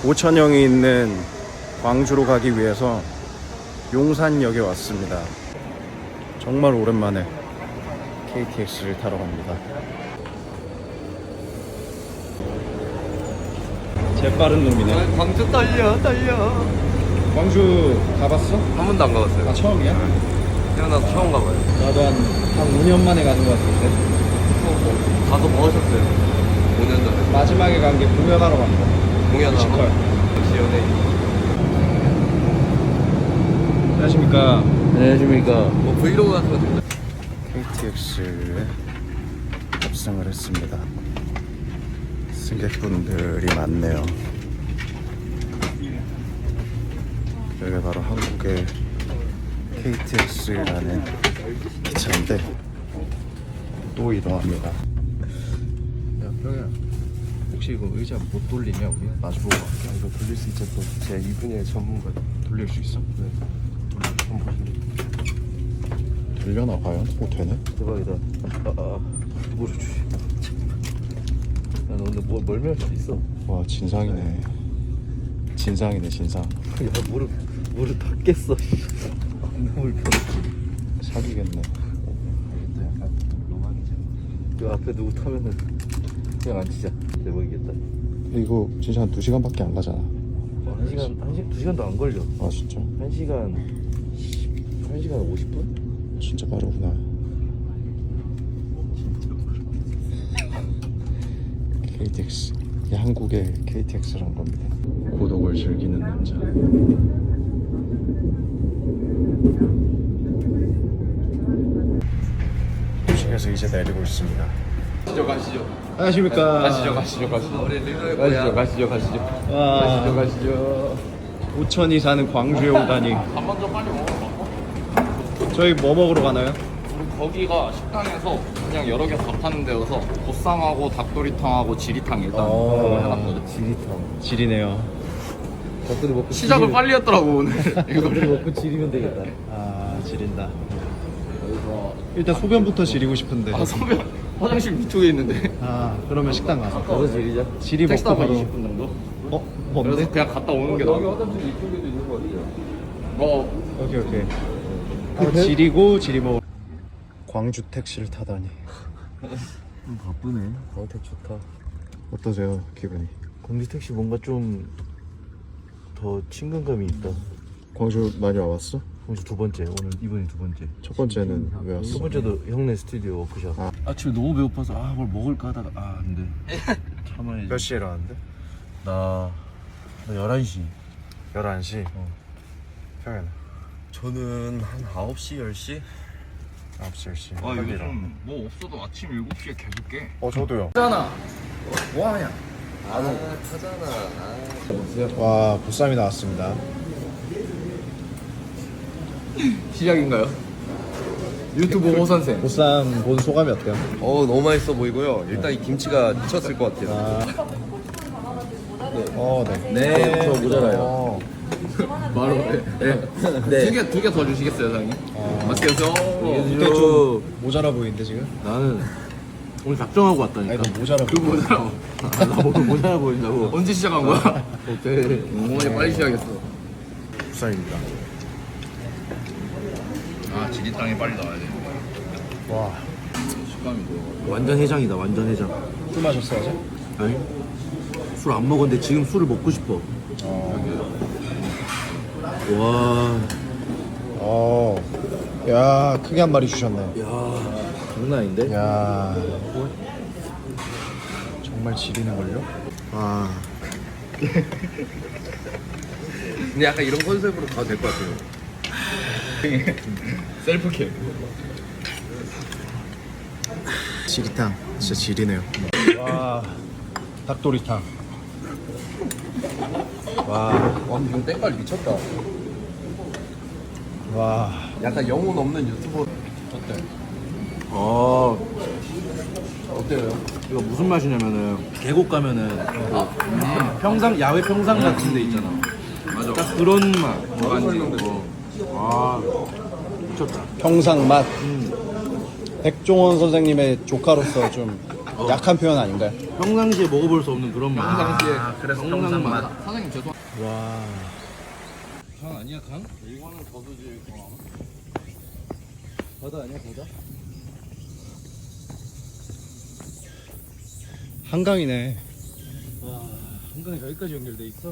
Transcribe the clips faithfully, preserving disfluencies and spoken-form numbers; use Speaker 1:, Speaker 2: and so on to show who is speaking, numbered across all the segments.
Speaker 1: 오천형이 있는 광주로 가기 위해서 용산역에 왔습니다. 정말 오랜만에 케이티엑스를 타러 갑니다. 재빠른 놈이네.
Speaker 2: 광주 달려 달려.
Speaker 1: 광주 가봤어?
Speaker 2: 한 번도 안 가봤어요.
Speaker 1: 아, 처음이야?
Speaker 2: 태어나서 처음 가봐요.
Speaker 1: 나도 한, 한 오 년 만에 가는 것 같은데.
Speaker 2: 가서 뭐 하셨어요? 오 년 전에
Speaker 1: 마지막에 간 게 공연하러 간 거.
Speaker 2: 공연하고.
Speaker 1: 뮤지컬.
Speaker 2: 역시 연예인.
Speaker 1: 안녕하십니까.
Speaker 2: 안녕하십니까. 뭐 브이로그 같은 거 찍나요?
Speaker 1: 케이티엑스에 탑승을 했습니다. 승객분들이 많네요. 여기가 바로 한국의 케이티엑스라는 기차인데 또 이동합니다.
Speaker 2: 야 병야, 혹시 이거 의자 못 돌리냐 우리? 마주보고 갈게. 이거 돌릴 수 있죠. 또 제 이 분야의 전문가.
Speaker 1: 돌릴 수 있어?
Speaker 2: 네. 돌려. 한번 보실래요?
Speaker 1: 돌려나 과연? 오, 되네?
Speaker 2: 대박이다. 아, 아, 무릎 주시. 야, 너 오늘 뭐 멀미할 수도 있어.
Speaker 1: 와, 진상이네. 진상이네, 진상.
Speaker 2: 야, 무릎 무릎 다 깼어. 너무 불편해.
Speaker 1: 사기겠네.
Speaker 2: 알겠다. 약간 로망이잖아. 그 앞에 누구 타면은 그냥 앉히자. 대박이겠다.
Speaker 1: 이거 진짜 한 두 시간밖에 안 가잖아.
Speaker 2: 어, 한 시간, 한 시간, 두 시간도 안 걸려.
Speaker 1: 아, 진짜?
Speaker 2: 한 시간, 한 시간 오십 분?
Speaker 1: 진짜 빠르구나. 케이티엑스. 이게 한국의 케이티엑스란 겁니다. 고독을 즐기는 남자. 도시에서 이제 내리고 있습니다.
Speaker 2: 가시죠, 가시죠.
Speaker 1: 안녕하십니까.
Speaker 2: 가시죠, 가시죠, 가시죠. 우리 가시죠, 가시죠, 가시죠.
Speaker 1: 와,
Speaker 2: 가시죠, 가시죠.
Speaker 1: 오천이 사는 광주에 오다니.
Speaker 2: 밥 먼저 빨리 먹어봐.
Speaker 1: 저희 뭐 먹으러 가나요?
Speaker 3: 우리 거기가 식당에서 그냥 여러 개 다 파는 데여서 보쌈하고 닭도리탕하고 지리탕 일단
Speaker 1: 어.
Speaker 3: 그거 해놨거든.
Speaker 2: 지리탕.
Speaker 1: 지리네요.
Speaker 2: 닭도리 먹고
Speaker 3: 시작을 빨리 했더라고 오늘
Speaker 2: 닭도리
Speaker 3: 이거를.
Speaker 2: 먹고 지리면 되겠다.
Speaker 1: 아, 지린다.
Speaker 3: 그래서
Speaker 1: 일단 소변부터 지리고 싶은데.
Speaker 3: 아 선배 화장실 위쪽에 있는데
Speaker 1: 아, 그러면 식당 가서.
Speaker 2: 가서 지리자.
Speaker 1: 지리
Speaker 3: 택시
Speaker 1: 먹고
Speaker 3: 타고
Speaker 1: 바로.
Speaker 3: 이십 분 정도?
Speaker 1: 어?
Speaker 3: 그래서
Speaker 1: 뭔데?
Speaker 3: 그냥 갔다 오는 게 나아.
Speaker 2: 화장실 이쪽에도 있는 거 같아요.
Speaker 3: 어
Speaker 1: 오케이, 오케이. 바로 지리고 지리 먹. 광주 택시를 타다니.
Speaker 2: 바쁘네. 광택 좋다.
Speaker 1: 어떠세요, 기분이?
Speaker 2: 광주 택시 뭔가 좀 더 친근감이 있다.
Speaker 1: 광주 많이 와봤어?
Speaker 2: 광주 두 번째. 오늘 이번이 두 번째.
Speaker 1: 첫 번째는 왜
Speaker 2: 첫
Speaker 1: 왔어?
Speaker 2: 번째도 형네 스튜디오 워크숍.
Speaker 1: 아.
Speaker 2: 아침에 너무 배고파서 아 뭘 먹을까 하다가 아 안돼. 참아야지.
Speaker 1: 몇 시에 일어났는데?
Speaker 2: 나, 나 열한 시.
Speaker 1: 열한 시?
Speaker 2: 어.
Speaker 1: 평현
Speaker 2: 저는 한 아홉 시, 열 시?
Speaker 1: 아홉 시, 열 시.
Speaker 3: 아 요즘 뭐 없어도 아침 일곱 시에 계속 깨.
Speaker 1: 어, 저도요.
Speaker 3: 하잖아. 뭐하냐?
Speaker 2: 아, 타잖아.
Speaker 1: 와, 보쌈이 나왔습니다.
Speaker 3: 시작인가요? 유튜브 호 선생.
Speaker 1: 보쌈 본 소감이 어때요?
Speaker 4: 어 너무 맛있어 보이고요. 일단 이 김치가 미쳤을 것 같아요.
Speaker 1: 아. 어, 네.
Speaker 4: 네,
Speaker 2: 저 모자라요.
Speaker 1: 어,
Speaker 3: 바로 네.
Speaker 4: 네.
Speaker 3: 두 개 두 개 더 주시겠어요, 사장님? 맛있게 드세요.
Speaker 1: 근데 좀 모자라 보이는데 지금?
Speaker 2: 나는 오늘 작정하고
Speaker 1: 아니,
Speaker 2: 왔다니까.
Speaker 1: 너 모자라
Speaker 3: 그
Speaker 1: 보여.
Speaker 3: 뭐더라고.
Speaker 2: 아, 나 오늘 모자라 보인다고.
Speaker 3: 언제 시작한 거야?
Speaker 2: 오케이.
Speaker 3: 어머니 빨리 시작했어.
Speaker 1: 보쌈입니다.
Speaker 3: 아 지리탕이 빨리 나와야 돼.
Speaker 1: 와,
Speaker 3: 식감이 좋아.
Speaker 2: 완전 해장이다, 완전 해장.
Speaker 1: 술 마셨어 어제?
Speaker 2: 아니? 술 안 먹었는데 지금 술을 먹고 싶어.
Speaker 1: 어.
Speaker 2: 와,
Speaker 1: 어. 야, 크게 한 마리 주셨네.
Speaker 2: 야, 장난 아닌데?
Speaker 1: 야. 정말 지리는걸요? 와.
Speaker 4: 근데 약간 이런 컨셉으로 가도 될 것 같아요.
Speaker 3: 셀프캠.
Speaker 1: 지리탕. 진짜 지리네요. 와. 닭도리탕. 와.
Speaker 4: 와 이건 때깔 미쳤다.
Speaker 1: 와.
Speaker 4: 약간 영혼 없는 유튜버.
Speaker 3: 어때?
Speaker 2: 아,
Speaker 4: 어때요?
Speaker 2: 이거 무슨 맛이냐면은 계곡 가면은 그 평상 야외 평상 같은 데 있잖아.
Speaker 3: 맞아.
Speaker 2: 딱 그런 맛.
Speaker 3: 뭐간지.
Speaker 2: 와, 미쳤다.
Speaker 1: 평상 맛. 백종원 선생님의 조카로서 좀 약한 표현 아닌가요?
Speaker 2: 평상시에 먹어볼 수 없는 그런 맛.
Speaker 3: 평상시에
Speaker 1: 그래서
Speaker 3: 평상
Speaker 1: 평상
Speaker 3: 맛. 사장님 죄송.
Speaker 1: 와.
Speaker 2: 강 아니야 강?
Speaker 3: 이거는 저수지.
Speaker 2: 바다 아니야 바다?
Speaker 1: 한강이네.
Speaker 2: 와 한강이 여기까지 연결돼 있어?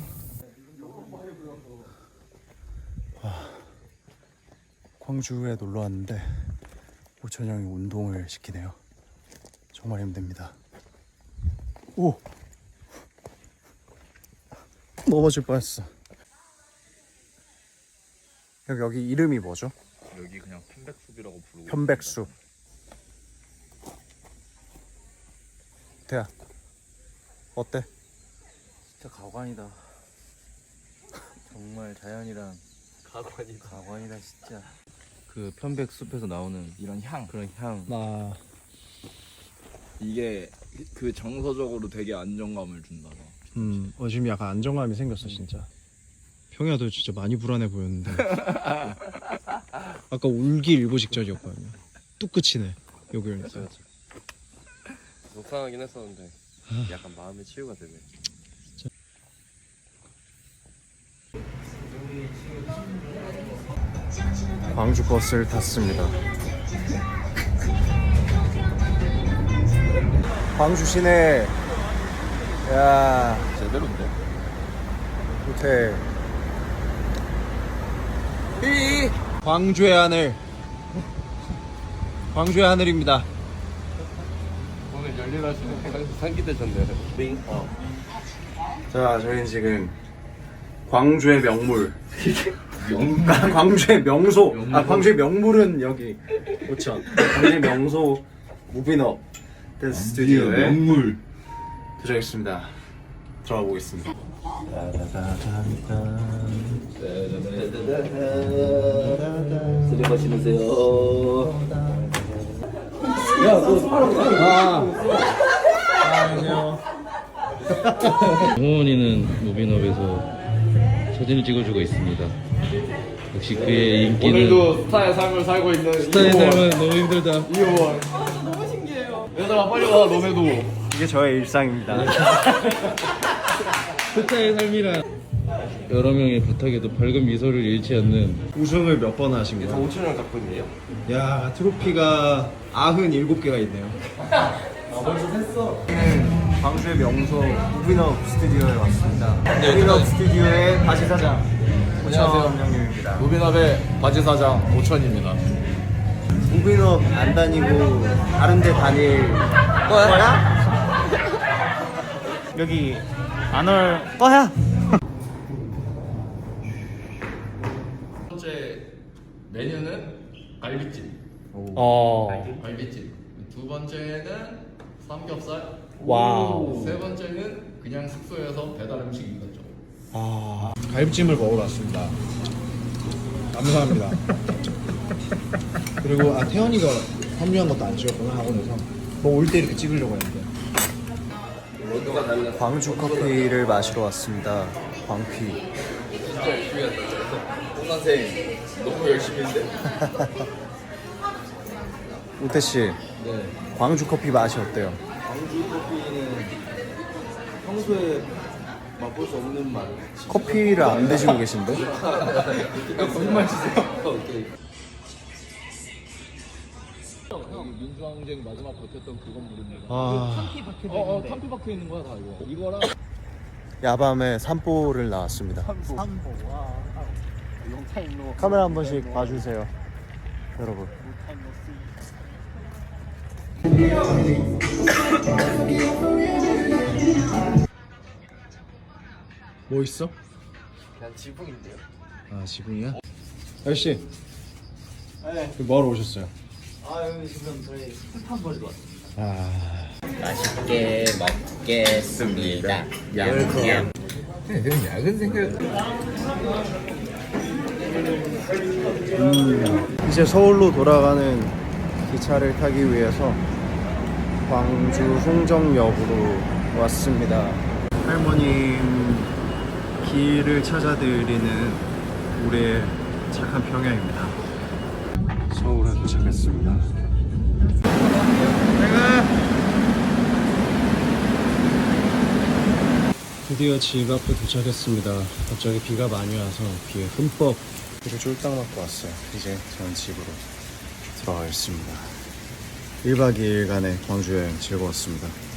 Speaker 1: 광주에 놀러 왔는데 오천 형이 운동을 시키네요. 정말 힘듭니다. 오! 넘어질 뻔했어. 여기, 여기 이름이 뭐죠?
Speaker 3: 여기 그냥 편백숲이라고 부르고.
Speaker 1: 편백숲. 대야 어때?
Speaker 2: 진짜 가관이다. 정말 자연이란 가관이다. 가관이다 진짜. 그 편백 숲에서 나오는
Speaker 3: 이런 향.
Speaker 2: 그런 향.
Speaker 1: 나
Speaker 3: 이게 그 정서적으로 되게 안정감을 준다. 봐.
Speaker 1: 음, 어, 지금 약간 안정감이 생겼어 진짜. 평야도 진짜 많이 불안해 보였는데 아까 울기 일보 직전이었거든요. 뚝 끝이네 여기 오니까.
Speaker 2: 속상하긴 했었는데 약간 마음의 치유가 되네.
Speaker 1: 광주 버스를 탔습니다. 광주 시내. 야,
Speaker 3: 제대로인데?
Speaker 1: 호텔. 이 광주의 하늘. 광주의 하늘입니다.
Speaker 3: 오늘 열일하시는
Speaker 2: 상기되셨네요. 링. 어.
Speaker 1: 자, 저희는 지금 광주의 명물. 명... 광주의 명소. 아, 광주의 명물은 여기 오천. 광주의 명소 무비너 댄스 스튜디오에
Speaker 2: 명물.
Speaker 1: 도착했습니다. 들어가 보겠습니다.
Speaker 2: 쓰레기 신으세요. 홍원이는 무비너에서 사진을 찍어주고 있습니다. 역시 그의 인기는
Speaker 3: 오늘도 스타의 삶을 살고 있는
Speaker 2: 스타의 삶은 너무 힘들다.
Speaker 3: 이호원. 너무 신기해요. 얘들아 빨리 와 너네도.
Speaker 1: 이게 저의 일상입니다.
Speaker 2: 스타의 삶이란 여러 명의 부탁에도 밝은 미소를 잃지 않는
Speaker 1: 우승을 몇 번 하신 거예요?
Speaker 2: 오천 원 작품이에요.
Speaker 1: 야, 트로피가 구십칠 개가 있네요.
Speaker 2: 아 벌써 했어.
Speaker 1: 광주의 명소 무비너 스튜디오에 왔습니다. 무비너 스튜디오의 바지 사장 오천 형님입니다.
Speaker 3: 무비너의 바지 사장 오천입니다.
Speaker 1: 무비너 안 다니고 다른 데 다닐 거야? 여기 안 올 거야?
Speaker 3: 첫 번째 메뉴는 갈비찜.
Speaker 1: 어.
Speaker 3: 갈비찜. 두 번째는 삼겹살.
Speaker 1: 와우.
Speaker 3: 세 번째는 그냥 숙소에서 배달 음식 이거죠.
Speaker 1: 아. 갈비찜을 먹으러 왔습니다. 감사합니다. 그리고 아 태연이가 합류한 것도 안 찍었구나 학원에서. 뭐 올 때 이렇게 찍으려고 했는데. 광주 커피를 마시러 왔습니다. 광피.
Speaker 3: 진짜 열심히 했다. 홍 선생 너무 열심히 했는데.
Speaker 1: 우태 씨,
Speaker 2: 네.
Speaker 1: 광주 커피 맛이 어때요?
Speaker 2: 광주 커피는 평소에 맛볼 수 없는 맛.
Speaker 1: 커피를 안 드시고 계신데?
Speaker 3: 거짓말 치세요.
Speaker 2: 오케이.
Speaker 3: 여기 민주항쟁 마지막 버텼던 그 건물입니다.
Speaker 1: 아,
Speaker 3: 어, 어, 탐피 박혀 있는 거야 다 이거. 이거랑
Speaker 1: 야밤에 산보를 나왔습니다.
Speaker 3: 산보. 와. 영타임로.
Speaker 1: 카메라 한 번씩 봐주세요, 여러분. 뭐 있어?
Speaker 2: 그냥 지붕인데요.
Speaker 1: 아, 지붕이야? 아저씨, 네. 뭐하러 오셨어요?
Speaker 2: 아 여기 지금 저희 스판 버리러 왔습니다.
Speaker 1: 아,
Speaker 5: 맛있게 먹겠습니다. 얌얌.
Speaker 3: 야근 생각.
Speaker 1: 음, 이제 서울로 돌아가는 기차를 타기 위해서 광주 송정역으로 왔습니다. 할머님 길을 찾아드리는 우리의 착한 평야입니다. 서울에 도착했습니다. 드디어 집 앞에 도착했습니다. 갑자기 비가 많이 와서 비에 흠뻑 비를 쫄딱 맞고 왔어요. 이제 저는 집으로 들어가겠습니다. 일 박 이 일간의 광주 여행 즐거웠습니다.